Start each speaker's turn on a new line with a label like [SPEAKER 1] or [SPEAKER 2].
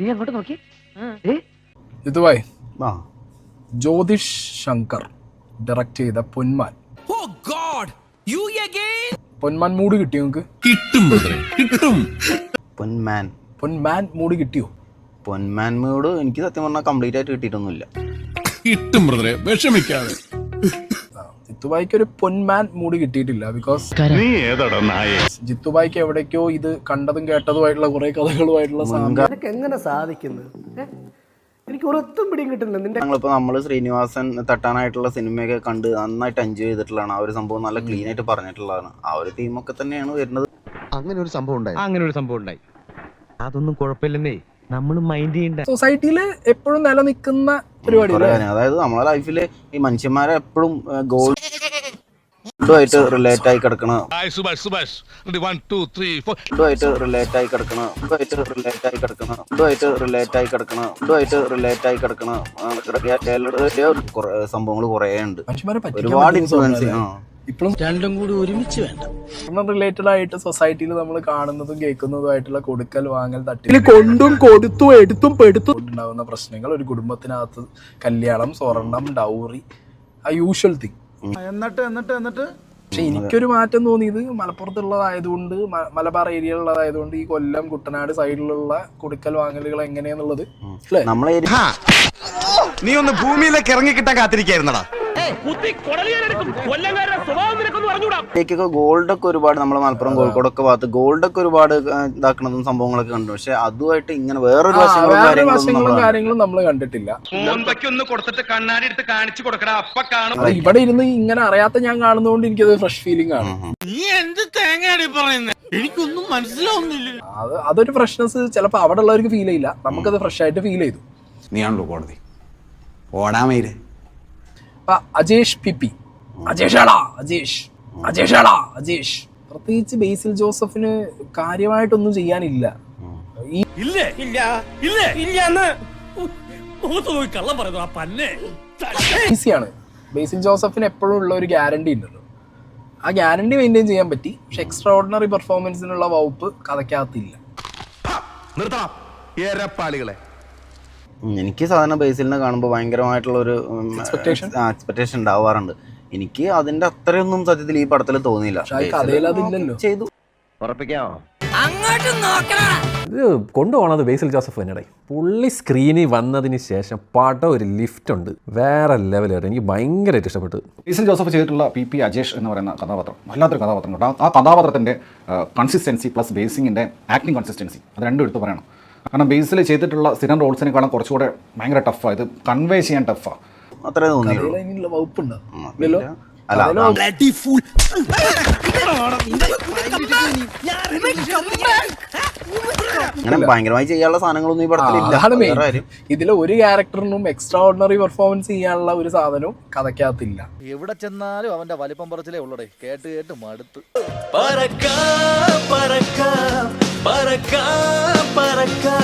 [SPEAKER 1] നീ അങ്ങോട്ട് നോക്കി
[SPEAKER 2] ഇതുവായി ജ്യോതിഷ് ശങ്കർ ഡയറക്ട് ചെയ്ത പൊന്മാൻ. പൊന്മാൻ മൂഡ് കിട്ടിയോ നിങ്ങക്ക്?
[SPEAKER 3] കിട്ടും.
[SPEAKER 2] പൊന്മാൻ മൂഡ് കിട്ടിയോ?
[SPEAKER 4] പൊന്മാൻ മൂഡ് എനിക്ക് സത്യം പറഞ്ഞാൽ കംപ്ലീറ്റ് ആയിട്ട് കിട്ടിയിട്ടൊന്നുമില്ല.
[SPEAKER 3] കിട്ടും ബ്രദറെ, വിഷമിക്കാതെ.
[SPEAKER 2] ജിത്തുബായിക്ക് ഒരു പൊന്മാൻ മൂഡ് കിട്ടിയിട്ടില്ല. ബിക്കോസ് ജിത്തുബായിക്ക് എവിടേക്കോ ഇത് കണ്ടതും കേട്ടതുമായിട്ടുള്ള കുറെ കഥകളുമായിട്ടുള്ള
[SPEAKER 1] സാധനം എങ്ങനെ സാധിക്കുന്നത് എനിക്ക് ഒരൊത്തും പിടിയും കിട്ടുന്നില്ല.
[SPEAKER 4] ഞങ്ങളിപ്പോ നമ്മള് ശ്രീനിവാസൻ തട്ടാനായിട്ടുള്ള സിനിമയൊക്കെ കണ്ട് നന്നായിട്ട് എൻജോയ് ചെയ്തിട്ടുള്ളതാണ്. ആ ഒരു സംഭവം നല്ല ക്ലീൻ ആയിട്ട് പറഞ്ഞിട്ടുള്ളതാണ്. ആ ഒരു തീമൊക്കെ തന്നെയാണ് വരുന്നത്.
[SPEAKER 5] അങ്ങനെ ഒരു സംഭവം ഉണ്ടായി. അതൊന്നും കുഴപ്പമില്ലെന്നേ, നമ്മൾ മൈൻഡ് ചെയ്യണ്ട.
[SPEAKER 2] സൊസൈറ്റിയില് എപ്പോഴും നിലനിൽക്കുന്ന പരിപാടി.
[SPEAKER 4] അതായത് നമ്മളെ ലൈഫില് ഈ മനുഷ്യന്മാരെ എപ്പോഴും ഗോൾഡുമായിട്ട് റിലേറ്റ് ആയി കിടക്കണ സംഭവങ്ങൾ കുറെ ഉണ്ട്. ഒരുപാട് ഇൻഫ്ലുവൻസ്
[SPEAKER 2] ഇപ്പോഴും രണ്ടും കൂടി ഒരുമിച്ച് വേണ്ട. റിലേറ്റഡ് ആയിട്ട് സൊസൈറ്റിയിൽ നമ്മൾ കാണുന്നതും കേൾക്കുന്നതുമായിട്ടുള്ള കൊടുക്കൽ വാങ്ങൽ തട്ടിൽ കൊണ്ടും കൊടുത്തും എടുത്തും പെടുത്തും ഉണ്ടാകുന്ന പ്രശ്നങ്ങൾ, ഒരു കുടുംബത്തിനകത്ത് കല്യാണം, സ്വർണം, ഡൗറി, ആ യൂഷ്വൽ തിങ്. എന്നിട്ട് പക്ഷെ എനിക്കൊരു മാറ്റം തോന്നിയത് മലപ്പുറത്തുള്ളതായതുകൊണ്ട്, മലബാർ ഏരിയയിലുള്ളതായതുകൊണ്ട് ഈ കൊല്ലം, കുട്ടനാട് സൈഡിലുള്ള കൊടുക്കൽ വാങ്ങലുകൾ എങ്ങനെയാന്നുള്ളത്
[SPEAKER 4] നമ്മളെ
[SPEAKER 5] നീ ഒന്ന് ഭൂമിയിലേക്ക് ഇറങ്ങി കിട്ടാൻ കാത്തിരിക്കായിരുന്നടാ.
[SPEAKER 4] ഗോൾഡൊക്കെ ഒരുപാട് നമ്മളെ മലപ്പുറം കോഴിക്കോടൊക്കെ ഭാഗത്ത് ഗോൾഡൊക്കെ ഒരുപാട് ഇതാക്കുന്നതും സംഭവങ്ങളൊക്കെ കണ്ടു. പക്ഷെ അതുമായിട്ട് ഇങ്ങനെ വേറൊരു
[SPEAKER 2] വശങ്ങളും കാര്യങ്ങളും നമ്മൾ കണ്ടിട്ടില്ല. ഇവിടെ ഇരുന്ന് ഇങ്ങനെ അറിയാത്ത ഞാൻ കാണുന്നതുകൊണ്ട് എനിക്കത് ഫ്രഷ് ഫീലിംഗ് ആണ്.
[SPEAKER 3] എനിക്കൊന്നും മനസ്സിലാവുന്നില്ല.
[SPEAKER 2] അതൊരു ഫ്രഷ്നെസ് ചിലപ്പോ അവിടെ ഉള്ളവർക്ക് ഫീൽ ചെയ്യില്ല, നമുക്കത് ഫ്രഷ് ആയിട്ട് ഫീൽ ചെയ്തു.
[SPEAKER 5] നീയാണല്ലോ കോടതി ഓടാമയില്.
[SPEAKER 2] അജേഷ് പിപി, അജേഷ് പ്രത്യേകിച്ച് ബേസിൽ ജോസഫിന് കാര്യമായിട്ടൊന്നും ചെയ്യാനില്ല. ഈസിയാണ്. ബേസിൽ ജോസഫിന് എപ്പോഴും ഉള്ള ഒരു ഗ്യാരണ്ടി ഉണ്ടല്ലോ, ആ ഗ്യാരണ്ടി മെയിൻറ്റെയിൻ ചെയ്യാൻ പറ്റി. പക്ഷെ എക്സ്ട്രാ ഓർഡിനറി പെർഫോമൻസിനുള്ള വകുപ്പ് കഥയ്ക്കകത്തില്ല.
[SPEAKER 4] എനിക്ക് സാധാരണ ബേസിലിനെ കാണുമ്പോൾ ഭയങ്കരമായിട്ടുള്ള ഒരു എക്സ്പെക്ടേഷൻ ഉണ്ടാവാറുണ്ട്. എനിക്ക് അതിന്റെ അത്രയൊന്നും സത്യത്തിൽ ഈ പടത്തിൽ തോന്നിയില്ല. ചെയ്തു
[SPEAKER 6] ഇത് കൊണ്ടുപോകണത് ബേസിൽ ജോസഫ് തന്നെയാണ്. പുള്ളി സ്ക്രീനിൽ വന്നതിന് ശേഷം പടം ഒരു ലിഫ്റ്റ് ഉണ്ട്, വേറെ ലെവലായിട്ട്. എനിക്ക് ഭയങ്കരമായിട്ട് ഇഷ്ടപ്പെട്ടു.
[SPEAKER 7] ബേസിൽ ജോസഫ് ചെയ്തിട്ടുള്ള പി അജേഷ് എന്ന് പറയുന്ന കഥാപാത്രം വല്ലാത്തൊരു കഥാപാത്രം കേട്ടോ. ആ കഥാപാത്രത്തിൻ്റെ കൺസിസ്റ്റൻസി പ്ലസ് ബേസിങ്ങിൻ്റെ ആക്ടിങ് കൺസിസ്റ്റൻസി, അത് രണ്ടും എടുത്ത് പറയണം. കാരണം ബേസിൽ ചെയ്തിട്ടുള്ള സ്ഥിരം റോൾസിനെക്കാളും കുറച്ചുകൂടെ ഭയങ്കര ടഫാണ്, ഇത് കൺവേ ചെയ്യാൻ ടഫാണ്.
[SPEAKER 4] അത്രേ തോന്നിയുള്ളൂ. അങ്ങനെ ഭയങ്കരമായി ചെയ്യാനുള്ള സാധനങ്ങളൊന്നും ഈ പടത്തിലില്ല.
[SPEAKER 2] ഇതിലെ ഒരു ക്യാരക്ടറിനും എക്സ്ട്രാ ഓർഡിനറി പെർഫോമൻസ് ചെയ്യാനുള്ള ഒരു സാധനവും കഥയ്ക്കകത്തില്ല.
[SPEAKER 8] എവിടെ ചെന്നാലും അവന്റെ വലിപ്പം പറച്ചിലേ ഉള്ളടേ, കേട്ട് കേട്ട് മടുത്ത്.
[SPEAKER 9] പറക്കാം പറക്കാം പറക്കാം പറക്കാം